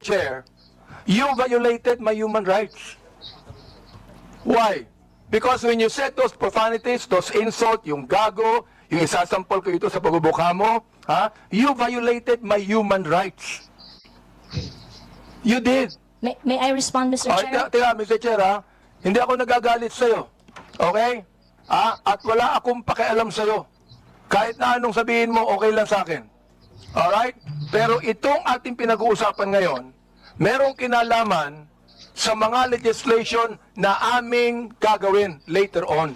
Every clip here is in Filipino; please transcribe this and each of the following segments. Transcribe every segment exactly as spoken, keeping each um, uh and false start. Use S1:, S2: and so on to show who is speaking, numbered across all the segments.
S1: Chair, you violated my human rights. Why? Because when you said those profanities, those insult, yung gago, yung isasampol ko ito sa pagbubuka mo, ha? You violated my human rights. You did.
S2: May, may I respond, Mister
S1: Oh,
S2: Chair?
S1: tira, Mister Chair, ha? Hindi ako nagagalit sa'yo. Okay? Ah, at wala akong pakialam sa'yo. Kahit na anong sabihin mo, okay lang sa akin. Alright? Pero itong ating pinag-uusapan ngayon, merong kinalaman sa mga legislation na aming gagawin later on.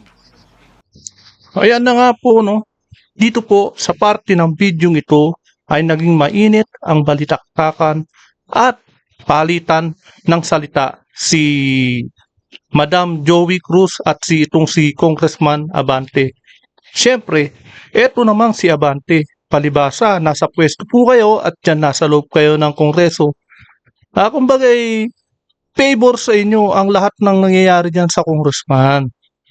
S3: Ayan na nga po, no? Dito po sa parte ng video ito ay naging mainit ang balitaktakan at palitan ng salita si Madam Joey Cruz at si itong si Congressman Abante. Siyempre, eto namang si Abante, palibasa, nasa pwesto po kayo at dyan nasa loob kayo ng Kongreso. Ah, kumbagay, favor sa inyo ang lahat ng nangyayari dyan sa Congressman.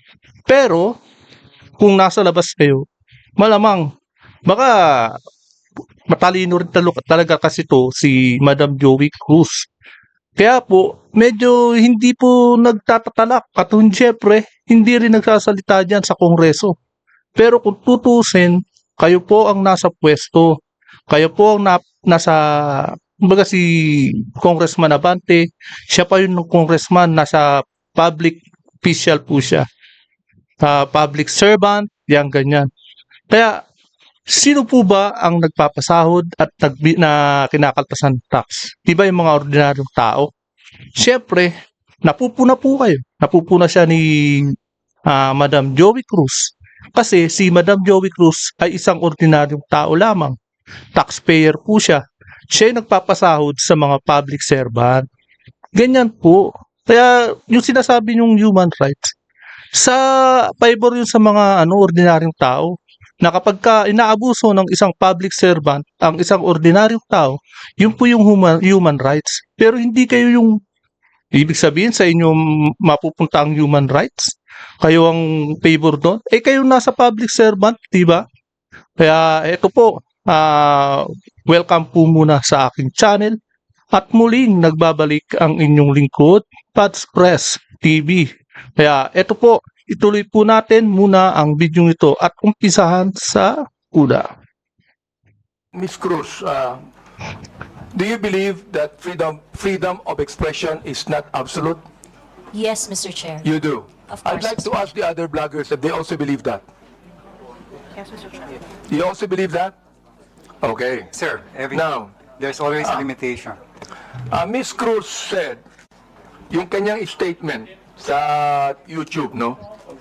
S3: Pero, kung nasa labas kayo, malamang, baka matalino rin talo- talaga kasi to si Madam Joey Cruz. Kaya po, medyo hindi po nagtatatalak at syempre, hindi rin nagsasalita dyan sa Kongreso. Pero kung tutusin, kayo po ang nasa pwesto. Kayo po ang na, nasa, kumbaga si Congressman Abante, siya pa yung congressman, nasa public official po siya. Uh, public servant, yan ganyan. Kaya, sino po ba ang nagpapasahod at nag, na kinakaltasan ng tax? Di ba yung mga ordinaryong tao? Siyempre, napupuna po kayo. Napupuna siya ni uh, Madam Joey Cruz. Kasi si Madam Joey Cruz ay isang ordinaryong tao lamang. Taxpayer po siya. Siya yung nagpapasahod sa mga public servant. Ganyan po. Kaya yung sinasabi yung human rights, sa favor yun sa mga ano ordinaryong tao na kapag ka inaabuso ng isang public servant ang isang ordinaryong tao, yun po yung human, human rights. Pero hindi kayo yung ibig sabihin sa inyo mapupunta ang human rights. Kayo ang favor doon. Eh kayo nasa public servant, di ba? Kaya eto po, uh, welcome po muna sa aking channel. At muling nagbabalik ang inyong lingkod, Pads Press T V. Kaya eto po, ituloy po natin muna ang video ito at umpisahan sa una.
S1: Miz Cruz, uh, do you believe that freedom freedom of expression is not absolute?
S2: Yes, Mister Chair.
S1: You do.
S2: Of
S1: I'd
S2: course.
S1: like to ask the other bloggers if they also believe that. You also believe that? Okay.
S4: Sir, every,
S1: Now,
S4: there's always a limitation.
S1: uh, Miz Cruz said, yung kanyang statement sa YouTube, no?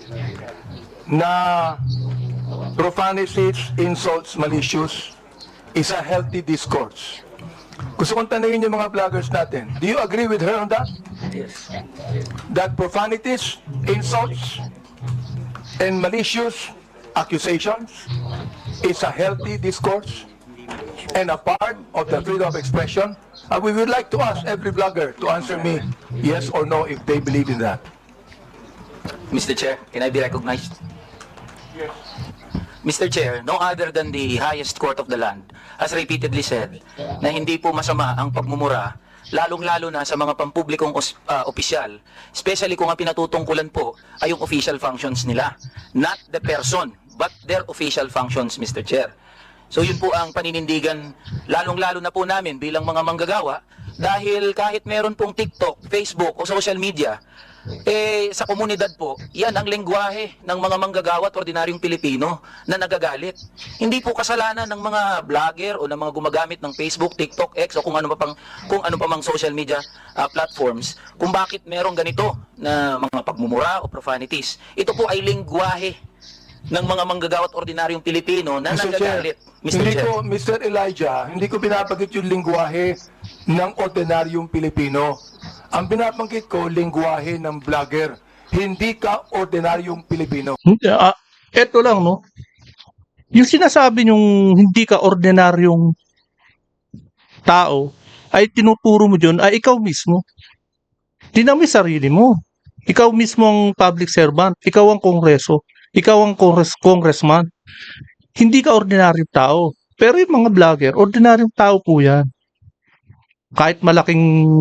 S1: Na profanities, insults, malicious is a healthy discourse. Gusto kong tanungin yung mga vloggers natin. Do you agree with her on that?
S5: Yes.
S1: That profanities, insults, and malicious accusations is a healthy discourse and a part of the freedom of expression? And we would like to ask every blogger to answer me yes or no if they believe in that.
S5: Mister Chair, can I be recognized? Yes. Mister Chair, no other than the highest court of the land has repeatedly said na hindi po masama ang pagmumura, lalong-lalo na sa mga pampublikong os, uh, opisyal, especially kung ang pinatutungkulan po ay yung official functions nila. Not the person, but their official functions, Mister Chair. So yun po ang paninindigan, lalong-lalo na po namin bilang mga manggagawa, dahil kahit meron pong TikTok, Facebook o social media, eh sa komunidad po, yan ang lengguwahe ng mga manggagawa at ordinaryong Pilipino na nagagalit. Hindi po kasalanan ng mga vlogger o ng mga gumagamit ng Facebook, TikTok, X o kung ano pa pang kung ano pa mang social media uh, platforms kung bakit merong ganito na mga pagmumura o profanities. Ito po ay lengguwahe ng mga manggagawa at ordinaryong Pilipino na
S1: Mister Chair,
S5: nagagalit. Mister
S1: hindi
S5: Chair.
S1: ko, Mister Elijah, hindi ko binabagit yung lingwahe ng ordinaryong Pilipino. Ang binabanggit ko, lingwahe ng vlogger. Hindi ka ordinaryong Pilipino.
S3: Uh, eto lang, no? Yung sinasabi nyong hindi ka ordinaryong tao, ay tinuturo mo dyan, ay ikaw mismo. Dinami sarili mo. Ikaw mismo ang public servant. Ikaw ang kongreso. Ikaw ang congress, congressman. Hindi ka ordinaryong tao. Pero yung mga vlogger, ordinaryong tao po yan. kahit malaking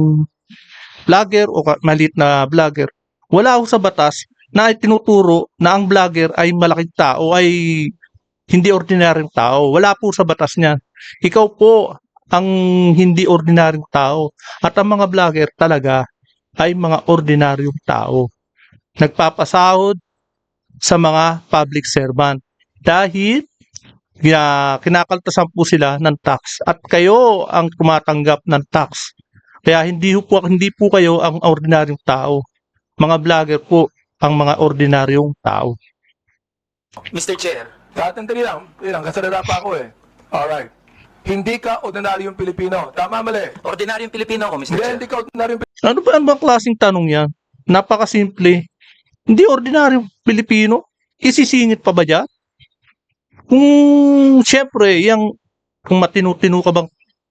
S3: vlogger o ka- maliit na vlogger, wala ho sa batas na itinuturo na ang vlogger ay malaking tao, ay hindi ordinaryong tao. Wala po sa batas niyan. Ikaw po ang hindi ordinaryong tao. At ang mga vlogger talaga ay mga ordinaryong tao. Nagpapasahod sa mga public servant. Dahil kina- kinakaltasan po sila ng tax. At kayo ang tumatanggap ng tax. Kaya hindi po, hindi po kayo ang ordinaryong tao. Mga vlogger po ang mga ordinaryong tao.
S5: Mister Chair,
S1: Tatandali lang, ilang kasalala pa ako eh. Alright. Hindi ka ordinaryong Pilipino. Tama, mali.
S5: ordinaryong Pilipino ako, Mister
S1: Hindi,
S5: Chair.
S1: hindi ka ordinaryong Pilipino.
S3: Ano ba ang bang klaseng tanong yan? Napakasimple. Hindi ordinaryong Pilipino. Isisingit pa ba dyan? Kung siyempre, yung, kung matinu-tinu ka bang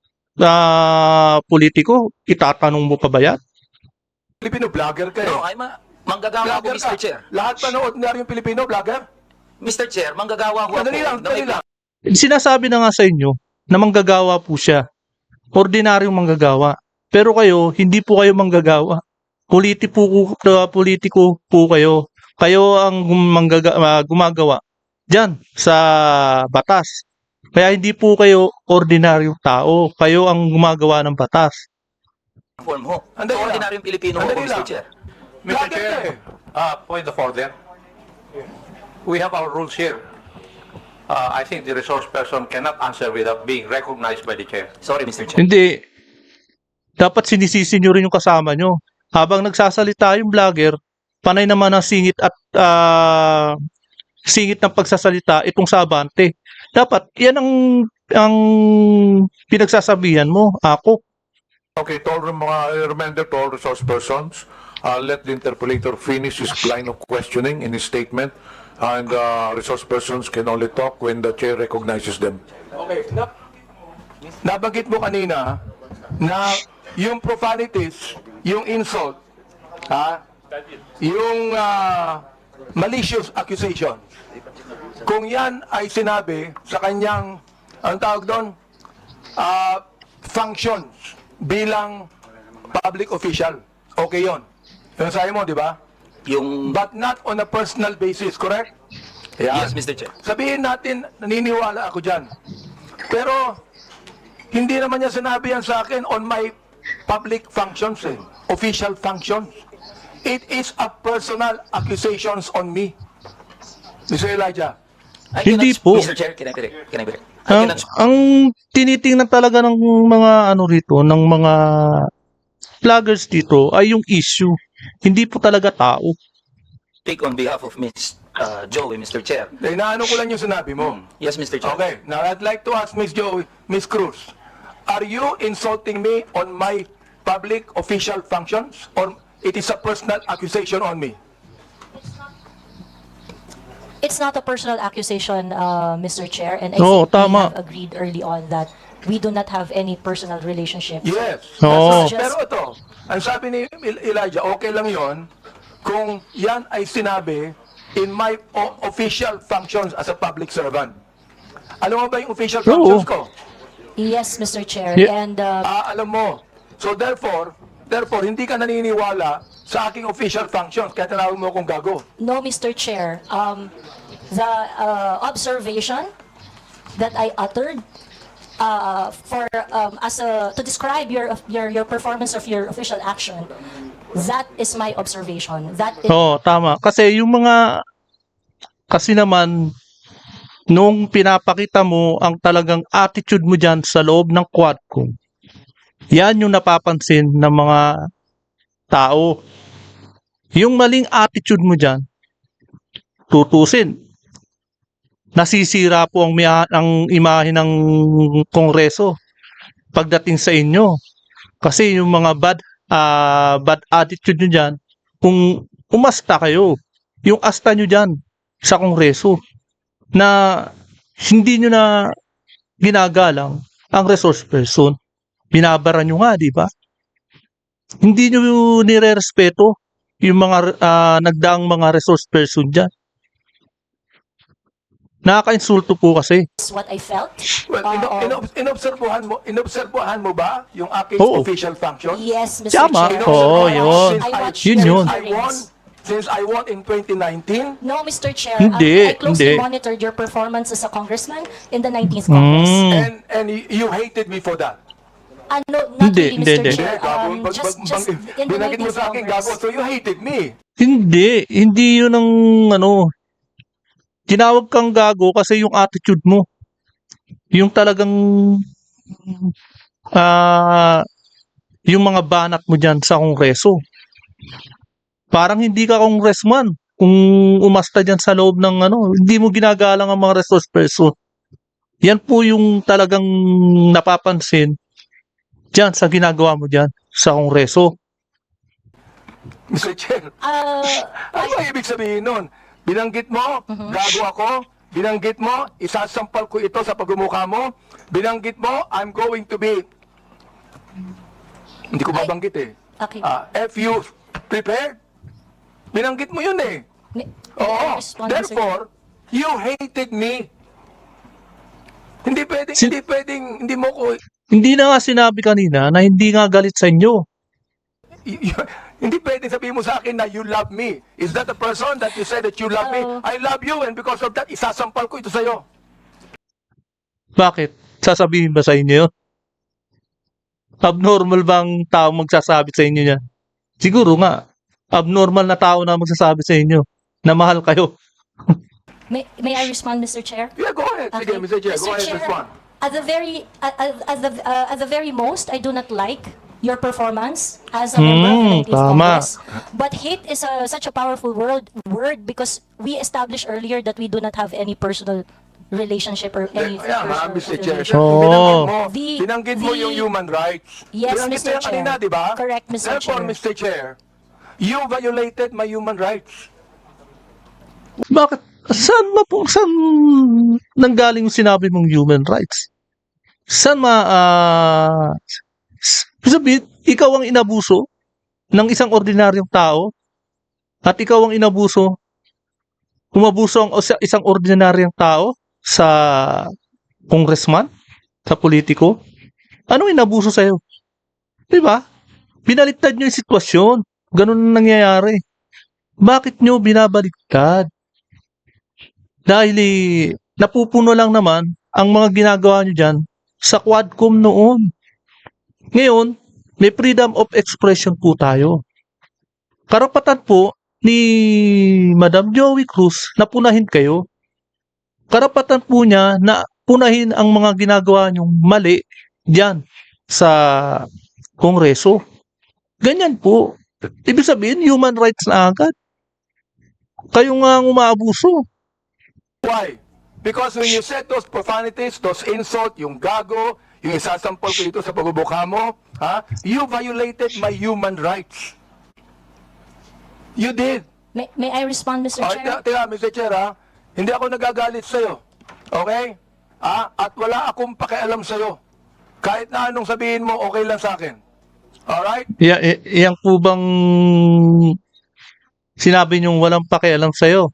S3: ah, politiko, itatanong mo pa ba yan?
S1: Pilipino, vlogger ka eh.
S5: No, ay ma manggagawa ako,
S1: Vlogger
S5: Mister
S1: ka.
S5: Chair.
S1: Lahat pa ng ordinaryong Pilipino, vlogger?
S5: Mister Chair, manggagawa ako.
S1: Dali lang,
S5: na
S1: dali
S5: may
S1: lang.
S3: Sinasabi na nga sa inyo na manggagawa po siya. Ordinaryong manggagawa. Pero kayo, hindi po kayo manggagawa. Politiko, uh, politiko po kayo. Kayo ang manggaga, uh, gumagawa dyan sa batas. Kaya hindi po kayo ordinaryong tao. Kayo ang gumagawa ng batas.
S5: Form ho.
S1: Andali lang.
S5: Ordinaryong Pilipino ako,
S1: Andali
S5: Mister
S1: lang.
S5: Chair.
S1: Vlogger
S6: Mister
S1: ka
S6: Chair,
S1: eh.
S6: uh, point of order. We have our rules here. Uh, I think the resource person cannot answer without being recognized by the chair.
S5: Sorry, Mister Chair.
S3: Hindi. Dapat sinisisi nyo rin yung kasama nyo. Habang nagsasalita yung vlogger, panay naman ang singit at ah, singit ng pagsasalita itong sabante. Dapat yan ang ang pinagsasabihan mo. Ako.
S7: Okay, to all mga reminder to all resource persons, uh, let the interpolator finish his line of questioning in his statement, and uh, resource persons can only talk when the chair recognizes them.
S1: Okay. Na, nabanggit mo kanina na yung profanities, yung insult, ha? Yung ah, malicious accusation. Kung yan ay sinabi sa kanyang, ang tawag doon, ah, functions bilang public official. Okay yon. Yung sabi mo, di ba?
S5: Yung
S1: But not on a personal basis, correct? Yan.
S5: Yes, Mister Chair.
S1: Sabihin natin, naniniwala ako dyan. Pero, hindi naman niya sinabi yan sa akin on my public functions, eh. Official functions. It is a personal accusations on me. Mister Elijah,
S5: I
S3: Hindi
S5: cannot-
S3: po.
S5: Mister Chair, can I correct? Can I correct? I
S3: Ang,
S5: cannot
S3: ang tinitingnan talaga ng mga ano rito, ng mga vloggers dito ay yung issue. Hindi po talaga tao.
S5: speak on behalf of Miss uh, Joey, Mister Chair.
S1: eh, naano ko lang yung sinabi mo.
S5: Yes, Mister Chair.
S1: Okay, now I'd like to ask Miss Joey, Miss Cruz, are you insulting me on my public official functions or it is a personal accusation on me?
S2: It's not a personal accusation, uh, Mister Chair, and I
S3: Oo,
S2: think we
S3: tama.
S2: have agreed early on that we do not have any personal relationship.
S1: Yes.
S3: Oo.
S1: That's- Pero ito, ang sabi ni El- Elijah, okay lang yon kung yan ay sinabi in my o- official functions as a public servant. Alam mo ba yung official functions ko?
S2: Yes, Mister Chair,
S3: Yeah.
S2: and uh,
S1: Ah, alam mo. So therefore, therefore, hindi ka naniniwala sa aking official functions, kaya tinawag mo akong gago.
S2: no, Mister Chair, um, the uh, observation that I uttered uh, for um, as a to describe your your your performance of your official action, that is my observation. That is
S3: Oo, tama. Kasi yung mga, kasi naman, nung pinapakita mo ang talagang attitude mo dyan sa loob ng Quadcom, yan yung napapansin ng mga tao. Yung maling attitude mo dyan, tutusin. Nasisira po ang, mia- ang imahe ng Kongreso pagdating sa inyo. Kasi yung mga bad ah, bad attitude nyo dyan, kung umasta kayo, yung asta nyo dyan sa Kongreso, na hindi nyo na ginagalang ang resource person, binabara nyo nga, di ba? Hindi nyo nire-respeto yung mga ah, nagdaang mga resource person dyan. Nakaka-insulto po kasi.
S2: That's what I felt.
S1: Well,
S2: Uh,
S1: ino-
S2: uh,
S1: ino- inobserbuhan mo, inobserbuhan mo ba yung aking
S3: Oo.
S1: official function?
S2: yes, Mister
S3: Tama.
S2: Chair.
S3: Oo,
S2: I
S3: yun.
S2: watched- I
S1: Since I-
S2: watched
S3: Yun
S2: your
S3: yun.
S1: I won,
S2: hearings.
S1: since I won in twenty nineteen,
S2: No, Mister Chair.
S3: Hindi,
S2: I, I closely
S3: hindi.
S2: monitored your performance as a congressman in the nineteenth Congress.
S3: Mm.
S1: and and y- you hated me for that.
S2: Ano, not
S3: Hindi,
S2: really,
S3: hindi,
S2: Mister
S3: hindi.
S2: Chair.
S1: Gago,
S2: Um,
S1: bag-
S2: just,
S1: bag-
S2: just
S1: bang-
S2: in the
S1: binanggit mo
S2: nineteenth
S1: sa akin,
S2: Congress.
S1: gago, so you hated me.
S3: Hindi, hindi yun ang ano, tinawag kang gago kasi yung attitude mo. Yung talagang ah yung mga banat mo dyan sa kongreso. Parang hindi ka congressman kung umasta dyan sa loob ng ano, hindi mo ginagalang ang mga resource person. Yan po yung talagang napapansin dyan sa ginagawa mo dyan sa kongreso.
S1: Mister Chair,
S2: Uh,
S1: ano ba ibig sabihin nun? Binanggit mo, gago ako. Binanggit mo, isasampal ko ito sa pagmumukha mo. Binanggit mo, I'm going to be... Hindi ko babanggit eh.
S2: okay.
S1: Ah, if you prepared, binanggit mo yun eh.
S2: May- may I
S1: Oo.
S2: respond, Mister Chair?
S1: Therefore, you hated me. Hindi pwedeng,
S3: Sin-
S1: hindi pwedeng, hindi mo ko,
S3: Hindi na nga sinabi kanina na hindi nga galit sa inyo.
S1: y- y- hindi pwedeng sabihin mo sa akin na you love me. Is that the person that you said that you love me?
S2: Oo.
S1: I love you and because of that, isasampal ko ito sa'yo.
S3: Bakit? Sasabihin ba sa inyo yun? Abnormal bang tao magsasabi sa inyo yan? Siguro nga, abnormal na tao na magsasabi sa inyo na mahal kayo.
S2: May, may I respond, Mister Chair?
S1: Yeah, go ahead. Sige, Mister Chair, go ahead, respond.
S2: At the very, at, at, at the, uh, at the very most, I do not like your performance as a member of the
S3: Hmm,
S2: nineteenth
S3: tama.
S2: Congress. But hate is a, such a powerful word, word because we established earlier that we do not have any personal relationship or any
S1: Kaya nga,
S2: personal
S1: Mister Chair,
S2: relationship.
S3: Oo.
S1: binanggit mo,
S2: The-
S1: binanggit mo
S2: the-
S1: yung human rights.
S2: Yes,
S1: Binanggit
S2: Mister
S1: mo yan kanina,
S2: Chair.
S1: di ba?
S2: Correct, Mister
S1: Therefore,
S2: Chair.
S1: Mister Chair, you violated my human rights.
S3: Bakit? Saan ba po, saan nanggaling yung sinabi mong human rights? Saan ma, ah, s- sabihin, ikaw ang inabuso ng isang ordinaryong tao at ikaw ang inabuso, umabuso ang isa- isang ordinaryong tao sa congressman, sa politiko. Anong inabuso sa'yo? Di ba? Binaliktad nyo yung sitwasyon. Ganun ang nangyayari. Bakit nyo binabaliktad? Dahil eh, napupuno lang naman ang mga ginagawa nyo dyan sa Quadcom noon. Ngayon, may freedom of expression po tayo. Karapatan po ni Madam Joey Cruz na punahin kayo. Karapatan po niya na punahin ang mga ginagawa nyong mali dyan sa Kongreso. Ganyan po. Ibig sabihin, human rights na agad. Kayo nga ang umaabuso.
S1: Why? Because when you said those profanities, those insult, yung gago, yung isasampal ko dito sa pagbubuka mo, ha? You violated my human rights. You did.
S2: May, may I respond, Mister
S1: Oh,
S2: Chair?
S1: teka, teka, Mister Chair, ha? Hindi ako nagagalit sa'yo. Okay? Ah, at wala akong pakialam sa'yo. Kahit na anong sabihin mo, okay lang sa akin. Alright?
S3: Ya, y- yan po bang sinabi niyong walang pakialam sa'yo?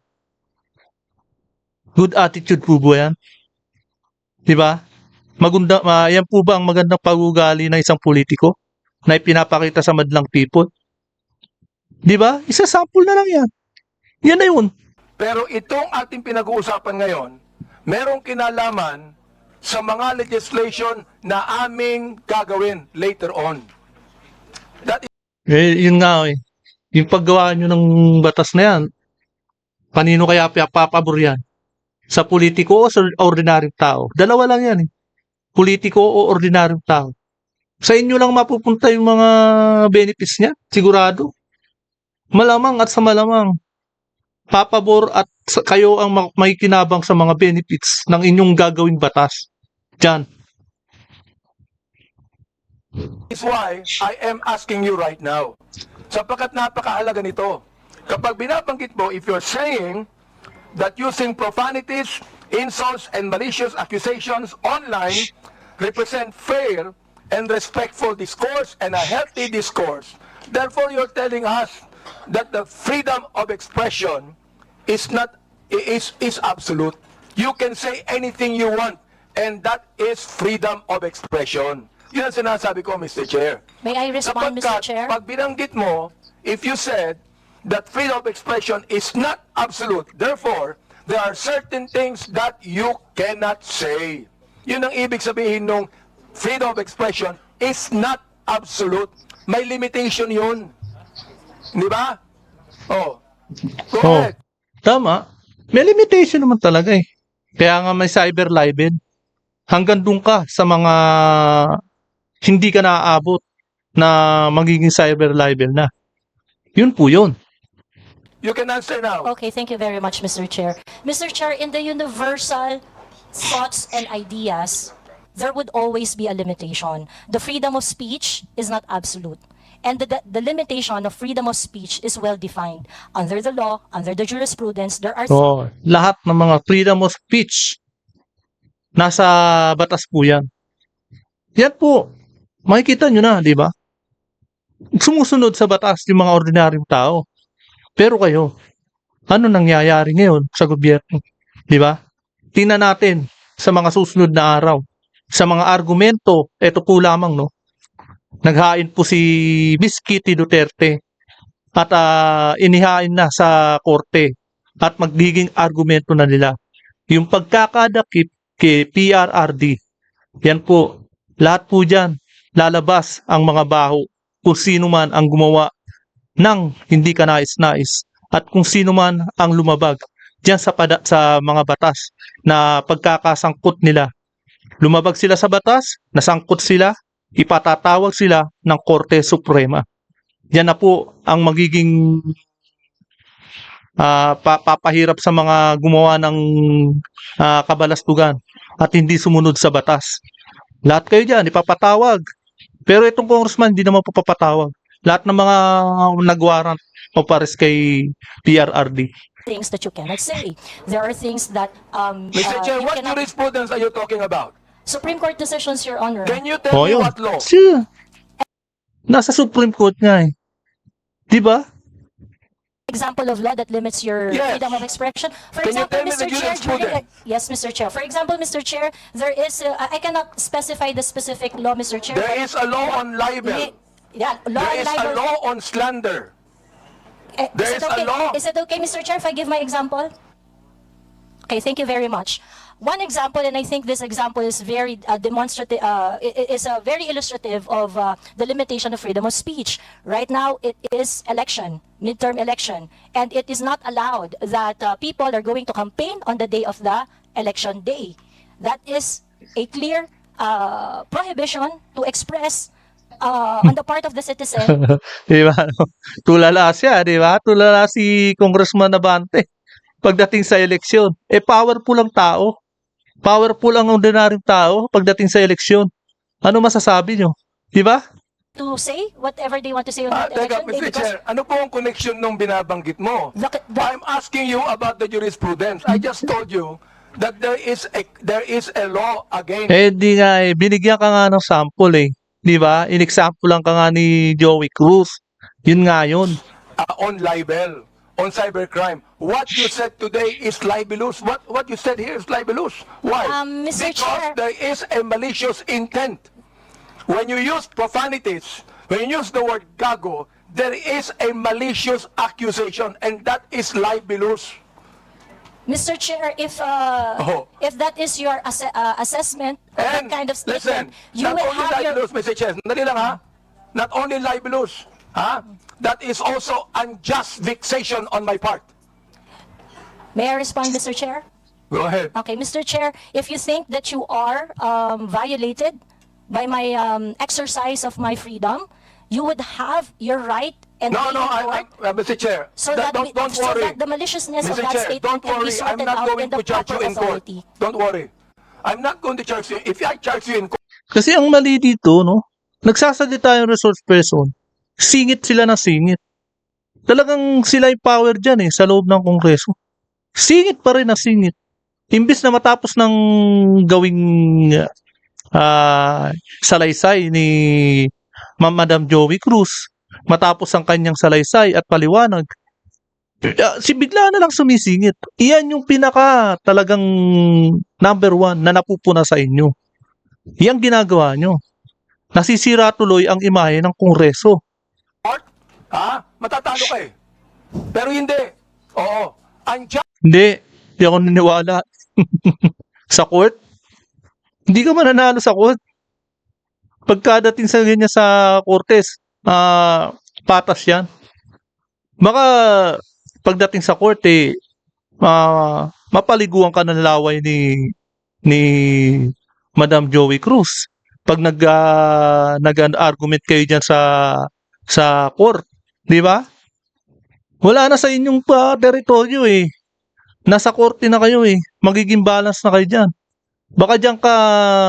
S3: Good attitude po ba yan? Di ba? Maganda, ma, yan po ba ang magandang pag-ugali ng isang politiko na ipinapakita sa madlang people? Di ba? Isa sample na lang yan. Yan na yun.
S1: Pero itong ating pinag-uusapan ngayon, merong kinalaman sa mga legislation na aming gagawin later on. That is
S3: Eh, yun nga eh. Yung paggawa nyo ng batas na yan, kanino kaya papabor yan? Sa politiko o sa ordinaryong tao? Dalawa lang yan eh. Politiko o ordinaryong tao. Sa inyo lang mapupunta yung mga benefits niya, sigurado. Malamang at sa malamang, papabor at sa- kayo ang ma- makikinabang sa mga benefits ng inyong gagawing batas. Diyan.
S1: is why I am asking you right now. Sapagkat napakahalaga nito. Kapag binabanggit mo, if you're saying that using profanities, insults, and malicious accusations online represent fair and respectful discourse and a healthy discourse, therefore you're telling us that the freedom of expression is not is is absolute. you can say anything you want. And that is freedom of expression. Yun ang sinasabi ko, Mister Chair.
S2: May I respond, Mister
S1: Sapagkat,
S2: Chair?
S1: pag binanggit mo, if you said that freedom of expression is not absolute, therefore, there are certain things that you cannot say. Yun ang ibig sabihin nung freedom of expression is not absolute. May limitation yun. Di ba? Oh. Go
S3: Oh,
S1: ahead.
S3: tama. May limitation naman talaga eh. Kaya nga may cyber libel. Hanggang dun ka sa mga hindi ka naaabot na magiging cyber libel na. Yun po yun.
S1: You can answer now.
S2: Okay, thank you very much, Mister Chair. Mister Chair, in the universal thoughts and ideas, there would always be a limitation. The freedom of speech is not absolute. And the, the, the limitation of freedom of speech is well defined. Under the law, under the jurisprudence, there are
S3: Oh, lahat ng mga freedom of speech nasa batas po yan. Yan po. Makikita nyo na, di ba? Sumusunod sa batas yung mga ordinaryong tao. Pero kayo, ano nangyayari ngayon sa gobyerno? Di ba? Tingnan natin sa mga susunod na araw. Sa mga argumento, eto po lamang, no? Naghain po si Miss Kitty Duterte at ah, inihain na sa korte at magiging argumento na nila. Yung pagkakadakip kay P R R D, yan po, lahat po dyan, lalabas ang mga baho kung sino man ang gumawa ng hindi ka nais-nais at kung sino man ang lumabag dyan sa, pada, sa mga batas na pagkakasangkot nila. Lumabag sila sa batas, nasangkot sila, ipatatawag sila ng Korte Suprema. Yan na po ang magiging ah, pa- papahirap sa mga gumawa ng ah, kabalastugan at hindi sumunod sa batas. Lahat kayo dyan, ipapatawag. Pero itong congressman, hindi naman po papatawag. Lahat ng mga nagwarrant o pares kay P R R D.
S2: things that you cannot say. There are things that um,
S1: Mister
S2: uh,
S1: Chair,
S2: you
S1: what
S2: cannot...
S1: jurisprudence are you talking about?
S2: Supreme Court decisions, Your Honor.
S1: Can you tell
S3: O
S1: me
S3: yun.
S1: what law?
S3: Siya. Nasa Supreme Court nga eh. Di ba?
S2: Example of law that limits your
S1: Yes.
S2: freedom of expression. For
S1: Can you
S2: example,
S1: tell me
S2: Mister
S1: the
S2: Chair, during,
S1: jurisprudence?
S2: yes, Mister Chair. For example, Mister Chair, there is, uh, I I cannot specify the specific law, Mister Chair.
S1: There
S2: but-
S1: is a law on libel.
S2: Li- Yeah, law
S1: There
S2: and
S1: is a
S2: libel.
S1: law on slander.
S2: Eh,
S1: there
S2: is,
S1: is
S2: it
S1: a
S2: okay?
S1: law.
S2: Is it okay, Mister Chair, if I give my example? Okay, thank you very much. One example, and I think this example is very uh, demonstrative, uh, i- i- is uh, very illustrative of uh, the limitation of freedom of speech. Right now, it is election, midterm election, and it is not allowed that uh, people are going to campaign on the day of the election day. That is a clear uh, prohibition to express uh, on the part of the citizen.
S3: Di ba? No? Tulala siya, di ba? Tulala si Congressman Abante. Pagdating sa eleksyon, eh powerful ang tao. Powerful ang ordinaryong tao pagdating sa eleksyon. Ano masasabi nyo? Di ba?
S2: to say whatever they want to say on
S1: Ah,
S2: that
S1: teka,
S2: election day
S1: Mister
S2: because
S1: Chair, ano po ang connection nung binabanggit mo?
S2: the, the,
S1: I'm asking you about the jurisprudence. I just told you that there is a there is a law against
S3: Eh di nga eh, binigyan ka nga ng sample eh. Di ba? In-example lang ka nga ni Joey Cruz. Yun nga yun.
S1: uh, on libel, on cybercrime. What you said today is libelous. What what you said here is libelous. Why?
S2: Um, Mister
S1: Because
S2: Chair.
S1: there is a malicious intent. When you use profanities, when you use the word gago, there is a malicious accusation, and that is libelous.
S2: Mister Chair, if uh,
S1: Oh.
S2: if that is your asse- uh, assessment of that
S1: And
S2: kind of
S1: listen,
S2: statement, you
S1: not
S2: will
S1: only
S2: have your
S1: libelous, Mister Chair, sandali lang ha. Not only libelous, ha? That is also unjust vexation on my part.
S2: May I respond, Mister Chair?
S1: Go ahead.
S2: Okay, Mister Chair, if you think that you are um, violated by my um, exercise of my freedom, you would have your right and
S1: No,
S2: be
S1: no,
S2: in
S1: I,
S2: court
S1: I, uh, Mister Chair,
S2: so
S1: that,
S2: that,
S1: don't,
S2: we,
S1: don't
S2: so
S1: worry.
S2: that the maliciousness
S1: Mister
S2: of that
S1: Chair,
S2: statement
S1: don't
S2: can be
S1: worry. I'm
S2: sorted
S1: not
S2: out
S1: going
S2: in the
S1: to charge
S2: proper
S1: you in court.
S2: authority.
S1: Don't worry. I'm not going to charge you. If I charge you in court,
S3: Kasi ang mali dito, no? Nagsasalita yung resource person. Singit sila ng singit. Talagang sila yung power dyan eh, sa loob ng Kongreso. Singit pa rin na singit. Imbis na matapos ng gawing ah, salaysay ni Ma- Madam Joey Cruz, matapos ang kanyang salaysay at paliwanag, Ah, si bigla na lang sumisingit. Iyan yung pinaka talagang number one na napupuna sa inyo. Yang ginagawa nyo. Nasisira tuloy ang imahe ng Kongreso.
S1: Court, ha? Matatalo ka eh. Pero hindi. Oo. Andiyan
S3: Hindi, hindi ako naniniwala. Sa court, hindi ka mananalo sa court. Pagkadating sa ganyan sa Cortes, ah, patas yan. Baka pagdating sa court, eh, ah, mapaliguan ka ng laway ni ni Madam Joey Cruz. Pag nag ah, nag-argument kayo diyan sa sa court, 'di ba? Wala na sa inyong pa teritoryo eh. Nasa korte na kayo eh. Magiging balance na kayo diyan. Baka diyan ka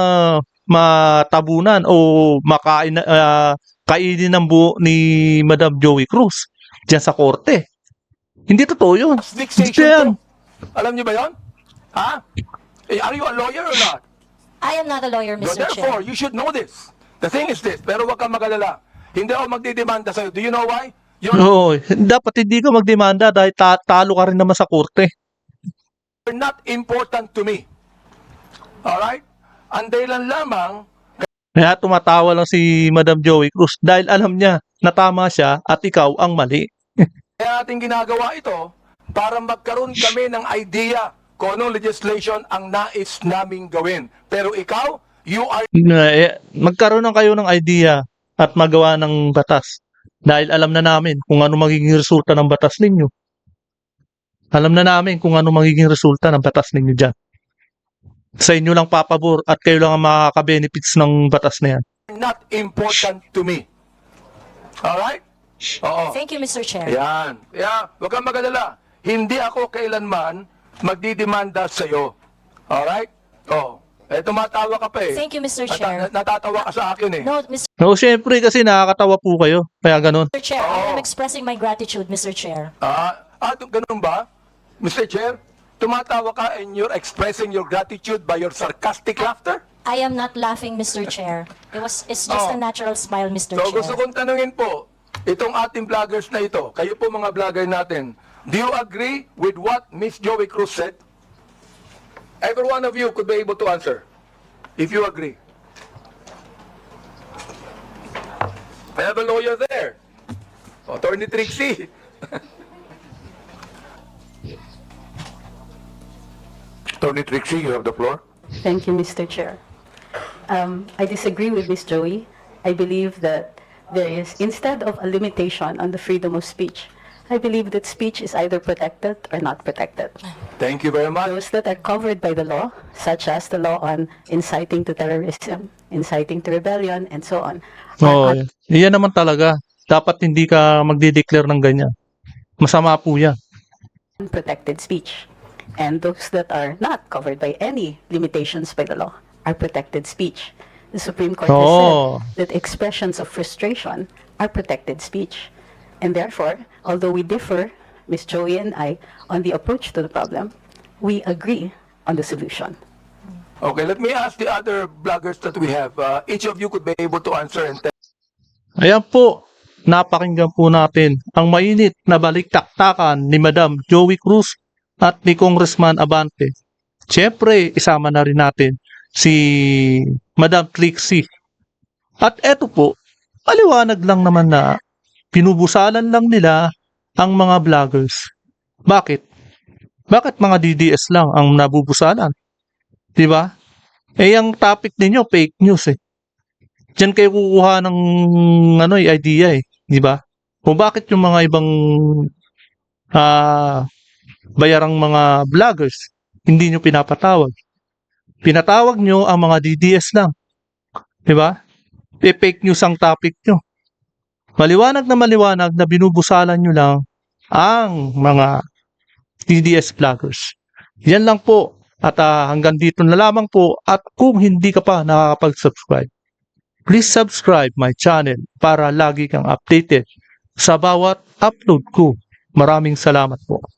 S3: matabunan o makain na- ah, kainin ng buo ni Madam Joey Cruz diyan sa korte. Hindi totoo 'yun. Gusto yan.
S1: fixation to. Alam niyo ba yon? Ha? Eh, are you a lawyer or not?
S2: I am not a lawyer,
S1: So
S2: Mister
S1: therefore,
S2: Chair.
S1: you should know this. The thing is this, pero wag kang magalala. Hindi ako magdidemanda sa'yo. Do you know why? You're
S3: Oo, dapat hindi ka magdemanda dahil ta- talo ka rin naman sa korte.
S1: not important to me. Alright? Ang dahilan lamang,
S3: Kaya tumatawa lang si Madam Joey Cruz dahil alam niya na tama siya at ikaw ang mali.
S1: kaya natin ginagawa ito para magkaroon kami ng idea kung anong legislation ang nais naming gawin. Pero ikaw, you are
S3: Na- eh, Magkaroon ng kayo ng idea at magawa ng batas. Dahil alam na namin kung ano magiging resulta ng batas ninyo. Alam na namin kung ano magiging resulta ng batas ninyo dyan. Sa inyo lang papabor at kayo lang ang makaka-benefits ng batas na yan.
S1: not important to me. Alright? Oo.
S2: Thank you, Mister Chair.
S1: Yan. Yeah, huwag kang magalala. Hindi ako kailanman magdidemanda sa'yo. Alright? Oh. Eh, tumatawa ka pa eh.
S2: Thank you, Mister
S1: Nata-
S2: Chair.
S1: natatawa ka sa akin eh.
S2: No, Mister
S3: No, syempre kasi nakakatawa po kayo. Kaya ganun.
S2: Chair, I am expressing my gratitude, Mister Chair.
S1: Ah, ah, ganun ba? Mister Chair, tumatawa ka and you're expressing your gratitude by your sarcastic laughter?
S2: I am not laughing, Mister Chair. It was, it's just
S1: Oh.
S2: a natural smile, Mister
S1: So
S2: Chair.
S1: gusto kong tanungin po, itong ating vloggers na ito, kayo po mga vlogger natin, do you agree with what Miss Joey Cruz said? Every one of you could be able to answer, if you agree. I have a lawyer there, Attorney Trixie.
S7: Attorney Trixie, you have the floor.
S8: Thank you, Mister Chair. Um, I disagree with Miz Joey. I believe that there is, instead of a limitation on the freedom of speech, I believe that speech is either protected or not protected.
S1: Thank you very much.
S8: Those that are covered by the law, such as the law on inciting to terrorism, inciting to rebellion, and so on,
S3: Oo,
S8: are
S3: yan naman talaga. Dapat hindi ka magdi-declare ng ganyan. Masama po yan.
S8: unprotected speech. And those that are not covered by any limitations by the law are protected speech. The Supreme Court has
S3: Oh.
S8: said that expressions of frustration are protected speech. And therefore, although we differ, Miz Joey and I, on the approach to the problem, we agree on the solution.
S1: Okay, let me ask the other vloggers that we have. Uh, each of you could be able to answer and tell.
S3: Ayan po, napakinggan po natin ang mainit na balik-taktakan ni Madam Joey Cruz at ni Congressman Abante. Siyempre, isama na rin natin si Madam Trixie. At eto po, paliwanag lang naman na pinubusalan lang nila ang mga vloggers. Bakit? Bakit mga D D S lang ang nabubusalan? 'Di ba? Eh, ang topic ninyo, fake news eh. Diyan kayo kukuha ng ano, eh, idea eh, 'di ba? Kung bakit yung mga ibang ah bayarang mga vloggers hindi nyo pinapatawag. Pinatawag nyo ang mga D D S lang. 'Di ba? E fake news ang topic nyo. Maliwanag na maliwanag na binubusalan nyo lang ang mga D D S vloggers. Yan lang po. At ah, hanggang dito na lamang po. At kung hindi ka pa nakakapag-subscribe, please subscribe my channel para lagi kang updated sa bawat upload ko. Maraming salamat po.